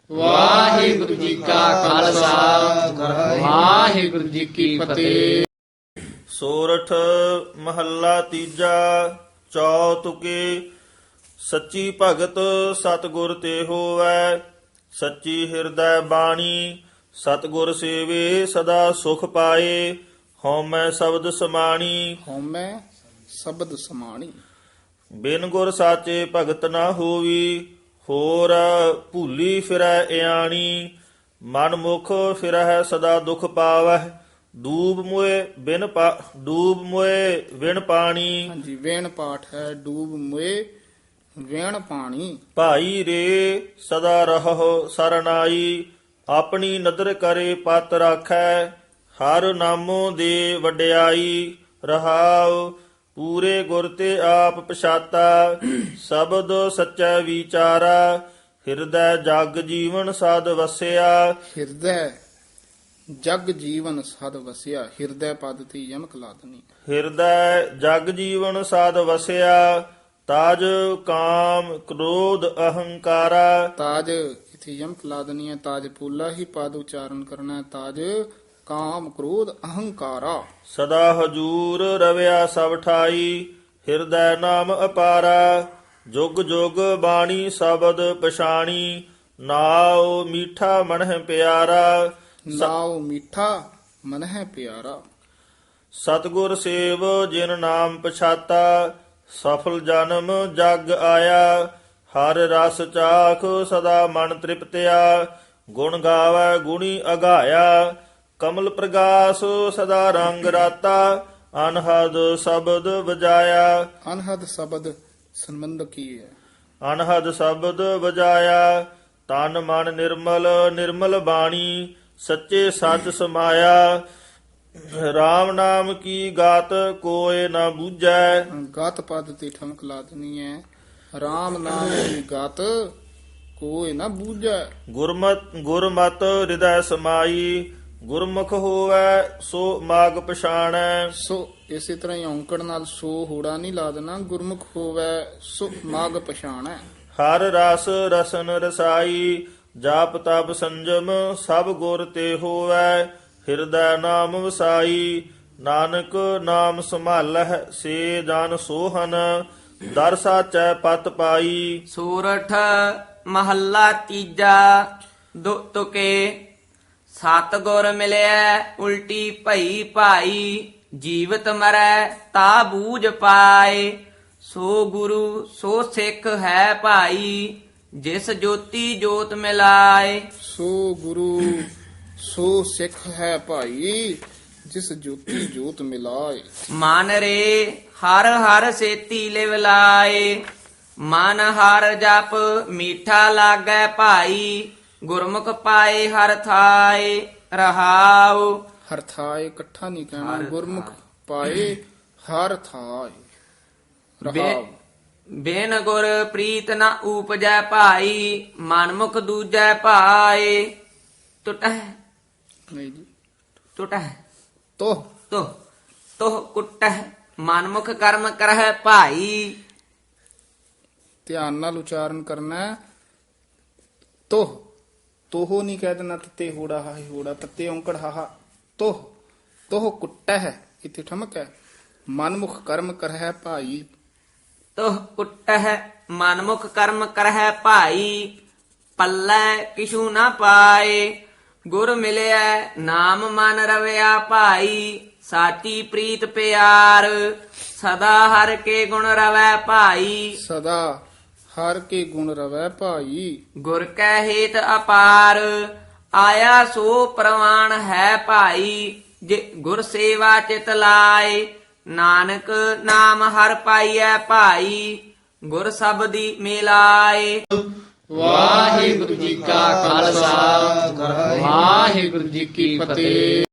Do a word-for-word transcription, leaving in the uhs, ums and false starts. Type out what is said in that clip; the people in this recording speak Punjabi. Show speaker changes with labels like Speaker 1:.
Speaker 1: ਵਾਹਿਗੁਰੂ ਜੀ ਕਾ ਖਾਲਸਾ ਵਾਹਿਗੁਰੂ ਜੀ ਕੀ ਫਤਿਹ।
Speaker 2: ਸੋਰਠ ਮਹੱਲਾ ਤੀਜਾ। ਚੌਤੁਕੇ ਸੱਚੀ ਭਗਤ ਸਤਿਗੁਰ ਤੇ ਹੋਵੈ, ਸੱਚੀ ਹਿਰਦੈ ਬਾਣੀ ਸਤਿਗੁਰ ਸੇਵੇ ਸਦਾ ਸੁਖ ਪਾਏ। ਹਉਮੈ ਸ਼ਬਦ ਸਮਾਣੀ
Speaker 1: ਹਉਮੈ ਸ਼ਬਦ ਸਮਾਣੀ,
Speaker 2: ਬਿਨ ਗੁਰ ਸਾਚੇ ਭਗਤ ਨਾ ਹੋਵੀ। ਹੋਰ ਭੂਲੀ ਫਿਰੈ ਇਆਣੀ, ਮਨ ਮੁਖ ਫਿਰੈ ਸਦਾ ਦੁਖ ਪਾਵਹਿ। ਡੂਬ ਮੁਏ ਬਿਨ ਪਾ ਡੂਬ ਮੁਏ ਵਿਣ ਪਾਣੀ,
Speaker 1: ਹਾਂਜੀ ਵੇਣ ਪਾਠ ਹੈ। ਡੂਬ ਮੁਏ ਵੇਣ ਪਾਣੀ,
Speaker 2: ਭਾਈ ਰੇ ਸਦਾ ਰਹੋ ਸਰਨਾਈ। ਆਪਣੀ ਨਦਰ ਕਰੇ ਪਤ ਰਾਖੈ, ਹਰ ਨਾਮੋ ਦੇ ਵਡਿਆਈ। ਰਹਾਉ ਪੂਰੇ ਗੁਰ ਤੇ ਆਪ ਪਛਾਤਾ, ਸ਼ਬਦ ਸੱਚਾ ਵਿਚਾਰਾ। ਹਿਰਦੈ ਜਗ ਜੀਵਨ ਸਾਧ ਵਸਿਆ,
Speaker 1: ਹਿਰਦੈ ਜਗ ਜੀਵਨ ਸਦ ਵਸਿਆ। ਹਿਰਦੈ ਪਦ ਤੇ ਯਮਕ ਲਾ ਦੇਣੀ।
Speaker 2: ਹਿਰਦੈ ਜਗ ਜੀਵਨ ਸਾਧ ਵਸਿਆ। ਤਾਜ ਕਾਮ ਕ੍ਰੋਧ ਅਹੰਕਾਰਾ,
Speaker 1: ਤਾਜ ਇਥੇ ਯਮਕ ਲਾ ਦੇਣੀ ਹੈ। ਤਾਜ ਪੂਲਾ ਹੀ ਪਦ ਉਚਾਰਨ ਕਰਨਾ ਹੈ। ਤਾਜ ਕਾਮ ਕ੍ਰੋਧ ਅਹੰਕਾਰਾ।
Speaker 2: ਸਦਾ ਹਜੂਰ ਰਵਿਆ ਸਭ ਠਾਈ। ਹਿਰਦੈ ਨਾਮ ਅਪਾਰਾ, ਜੁਗ ਜੁਗ ਬਾਣੀ ਸ਼ਬਦ ਪਛਾਣੀ। ਨਾਉ ਮੀਠਾ ਮਨਹਿ ਪਿਆਰਾ,
Speaker 1: ਨਾਉ ਮੀਠਾ ਮਨ ਹੈ ਪਿਆਰਾ।
Speaker 2: ਸਤਿਗੁਰ ਸੇਵ ਜਿਨ ਨਾਮ ਪਛਾਤਾ। ਸਫਲ ਜਨਮ ਜਗ ਆਇਆ, ਹਰ ਰਸ ਚਾਖ ਸਦਾ ਮਨ ਤ੍ਰਿਪਤਿਆ। ਗੁਣ ਗਾਵੈ ਗੁਣੀ ਅਗਾਇਆ, ਕਮਲ ਪ੍ਰਗਾਸ ਸਦਾ ਰੰਗ ਰਾਤਾ। ਅਨਹਦ ਸ਼ਬਦ ਵਜਾਇਆ,
Speaker 1: ਅਨਹਦ ਸ਼ਬਦ ਸੰਬੰਧ ਕੀ ਹੈ?
Speaker 2: ਅਨਹਦ ਸ਼ਬਦ ਵਜਾਇਆ। ਤਨ ਮਨ ਨਿਰਮਲ ਨਿਰਮਲ ਬਾਣੀ, ਸੱਚੇ ਸੱਚ ਸਮਾਇਆ। RAM ਨਾਮ ਕੀ ਗਾਤ ਕੋਇ ਨਾ ਬੂਝੈ,
Speaker 1: ਗਤ ਪਦ ਤੇ ਠਮਕ ਲਾ ਦੇਣੀ ਹੈ। RAM ਨਾਮ ਦੀ ਗਤ ਕੋਈ ਨਾ ਬੂਝੈ।
Speaker 2: ਗੁਰਮਤ ਗੁਰਮਤ ਹਿਰਦੈ ਸਮਾਈ। ਗੁਰਮੁਖ ਹੋਵੈ ਸੋ ਮਾਗ ਪਛਾਣੈ।
Speaker 1: ਸੋ ਇਸੇ ਤਰ੍ਹਾਂ ਹੀ ਔਂਕੜ ਨਾਲ ਸੋ ਹੋੜਾ ਨਹੀਂ ਲਾ ਦੇਣਾ। ਗੁਰਮੁਖ ਹੋਵੈ ਸੋ ਮਾਗ ਪਛਾਣੈ।
Speaker 2: ਹਰ ਰਸ ਰਸਨ ਰਸਾਈ, ਜਾਪ ਤਪ ਸੰਜਮ ਸਭ ਗੁਰ ਤੇ ਹੋਵੈ। ਹਿਰਦੈ ਨਾਮ ਵਸਾਈ, ਨਾਨਕ ਨਾਮ ਸੰਭਾਲਹਿ ਸੇ ਜਨ ਸੋਹਨ। ਦਰ ਸਾਚੈ ਪਤ ਪਾਈ।
Speaker 3: ਸੂਰਠ ਮਹੱਲਾ ਤੀਜਾ। ਦੁ ਤੁਕੇ ਸਤਿਗੁਰ ਮਿਲਿਆ ਉਲਟੀ ਭਈ ਭਾਈ। ਜੀਵਤ ਮਰੈ ਤਾ ਬੂਝ ਪਾਏ, ਸੋ ਗੁਰੂ ਸੋ ਸਿੱਖ ਹੈ ਭਾਈ। ਜਿਸ ਜੋਤੀ ਜੋਤ ਮਿਲਾਏ,
Speaker 1: ਸੋ ਗੁਰੂ ਸੋ ਸਿੱਖ ਹੈ ਭਾਈ। ਜਿਸ ਜੋਤੀ ਜੋਤ ਮਿਲਾਏ।
Speaker 3: ਮਨ ਰੇ ਹਰ ਹਰ ਸੇਤੀ ਲਿਵ ਲਾਏ। ਮਨ ਹਰ ਜਪ ਮੀਠਾ ਲਾਗੈ ਭਾਈ। ਗੁਰਮੁਖ ਪਾਏ ਹਰ ਥਾਏ। ਰਹਾਉ
Speaker 1: ਹਰ ਥਾਏ ਇਕੱਠਾ ਨਹੀਂ ਕਹਿਣਾ। ਗੁਰਮੁਖ ਪਾਏ ਹਰ ਥਾਏ। ਰਹਾਉ
Speaker 3: ਬਿਨ ਗੁਰ ਪ੍ਰੀਤ ਨ ਊਪਜੈ ਭਾਈ। ਮਨਮੁਖ ਦੂਜੈ ਭਾਏ। ਟੁਟਹਿ
Speaker 1: ਨਹੀਂ ਜੀ।
Speaker 3: ਟੁਟਹਿ
Speaker 1: ਤੋਹ
Speaker 3: ਤੋਹ ਤੋਹ ਕੁਟਹਿ। ਮਨਮੁਖ ਕਰਮ ਕਰਹਿ ਭਾਈ।
Speaker 1: ਧਿਆਨ ਨਾਲ ਉਚਾਰਨ ਕਰਨਾ ਹੈ। ਤੋਹ ਤੋਹ ਨਹੀਂ ਕਹਿ ਦੇਣਾ। ਤੱਤੇ ਹੋੜਾ ਹਾਹੀ ਹੋੜਾ ਤੱਤੇ ਔਂਕੜ ਹਾਹਾ। ਤੋਹ ਤੋਹ ਕੁੱਟਾ ਹੈ ਇੱਥੇ ਠਮਕ ਹੈ। ਮਨਮੁਖ ਕਰਮ ਕਰਹਿ ਭਾਈ।
Speaker 3: ਤੋਹ ਕੁਟਹਿ ਮਨਮੁਖ ਕਰਮ ਕਰਹਿ ਭਾਈ। ਪੱਲੇ ਕਿਛੂ ਨਾ ਪਾਏ, ਗੁਰ ਮਿਲਿਆ ਨਾਮ ਮਨ ਰਵਿਆ ਭਾਈ। ਸਾਚੀ ਪ੍ਰੀਤ ਪਿਆਰ, ਸਦਾ ਹਰ ਕੇ ਗੁਣ ਰਵੈ ਭਾਈ।
Speaker 1: ਸਦਾ ਹਰ ਕੇ ਗੁਣ ਰਵੈ ਭਾਈ।
Speaker 3: ਗੁਰ ਕੈ ਹੇਤ ਅਪਾਰ, ਆਇਆ ਸੋ ਪ੍ਰਵਾਨ ਹੈ ਭਾਈ। ਜੇ ਗੁਰ ਸੇਵਾ ਚਿਤ ਲਾਏ, ਨਾਨਕ ਨਾਮ ਹਰ ਪਾਈਐ ਭਾਈ। ਗੁਰ ਸਬਦੀ ਮਿਲਾਏ।
Speaker 1: ਵਾਹਿਗੁਰੂ ਜੀ ਕਾ ਖਾਲਸਾ ਵਾਹਿਗੁਰੂ ਜੀ ਕੀ ਫਤਿਹ।